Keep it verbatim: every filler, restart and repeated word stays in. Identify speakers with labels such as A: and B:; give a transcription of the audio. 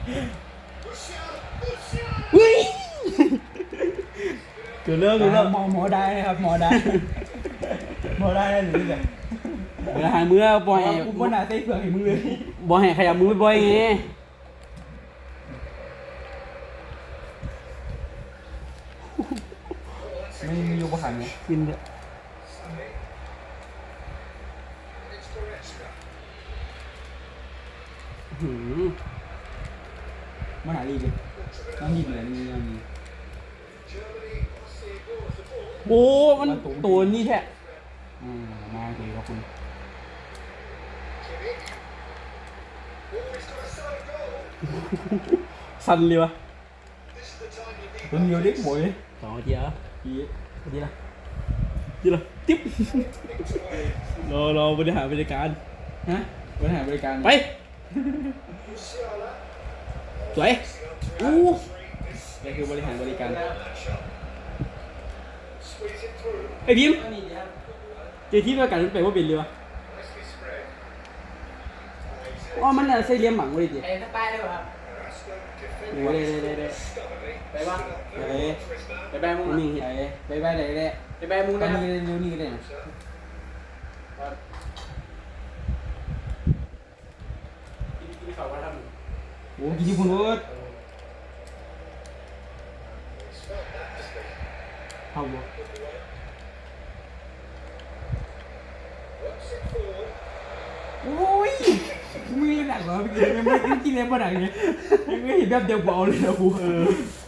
A: เฮ้ยเกิดเรื่องเกิดเรื่อง
B: หมอหมอได้นะครับหมอได้หมอได้หรือไง
A: เวลาหาเมื่อบ่อย
B: กูบ่น่าใส่เปลือกให้มึงเลย
A: บ่ให้ขยับมือบ่อยไง
B: ไม่มีอยู่ประหันไง
A: กินเถอะหืม
B: มันหาลีเลยน้องยินเลยนี่ยังมี
A: โอ้มันตัวนี้แท้
B: อืมมาดีขอบคุณ
A: สั่นเลยวะ
B: ตัวเดียวเด็กหมวย
A: สองนาทีแล้ว
B: อี
A: นาทีละทีละติ๊บรอรอบริหารบริการ
B: ฮะบริหารบริการ
A: ไปสวยอู้
B: นี่คือบริหารบริการ
A: ไอพิมเจที่ประกันมันไปว่าเป็นเลยวะอ๋อมันน่ะใส่เหลี่ยมหมังไว้ดิ
C: ไอ้ถ้าป้ายได้ป่ะครับ
A: โอ้ได้ได้ได้ได้
C: ไปวะ
B: เอ้ย
C: ไปแบมุง
A: นี่
C: นะ
B: ไอ้ไปไปไหนได้
C: ไปแบมุง
B: ตอน
C: นะ
B: นี้เร็วนี่ก็ได้นะ
C: ที่เขาว่าท
B: โอ้กินที่คุณรถ
A: เข้าบ่
B: โอ้ยมึงเล่นหนักเหรอพี่กินไม่ไม่กินเล่นมาหนักไงไม่เห็นแบบเดียวเบาเลยนะกูเออ